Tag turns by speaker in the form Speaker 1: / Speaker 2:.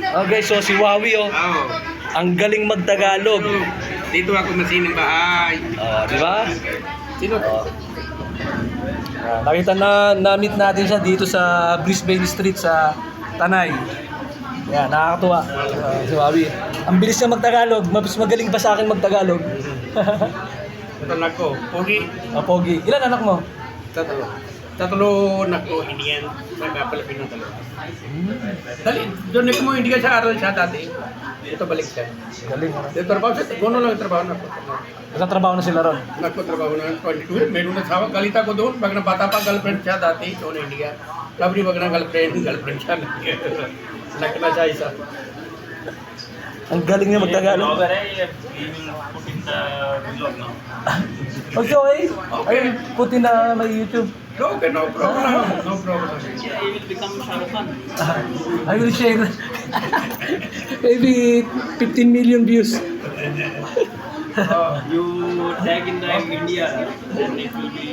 Speaker 1: Okay, so si Wawi oh,
Speaker 2: Oo.
Speaker 1: ang galing magtagalog.
Speaker 2: Dito ako masinong bahay.
Speaker 1: Di ba?
Speaker 2: Sino?
Speaker 1: Nakita na-meet natin siya dito sa Brisbane Street sa Tanay. Yan, nakakatuwa. Si Wawi. Ang bilis niya magtagalog, mas magaling pa sa akin magtagalog.
Speaker 2: Ito anak ko. Pogi.
Speaker 1: Pogi. Ilan anak mo?
Speaker 2: Tatlo anak ko. Hindi yan. Nagkapalapin ng talo. Dali, doon mo hindi ka sa aral siya dati. Ito balik siya.
Speaker 1: Galing.
Speaker 2: Dito trabaho siya. Gono lang yung trabaho na ko.
Speaker 1: Nagtatrabaho na sila ron.
Speaker 2: Nagpo-trabaho na 22. Meron na sawa. Galita ko doon. Pag nabata pa, girlfriend siya dati. Doon hindi ka. Sabi wag na girlfriend siya. Anak na siya isa.
Speaker 1: Ang galing niya magtagalog. Okay. Ay, puti na may YouTube.
Speaker 2: Okay, no problem. No problem.
Speaker 3: I will become Shah Rukh Khan.
Speaker 1: I will share. Maybe 15 million views.
Speaker 3: You tag in the India, then it will be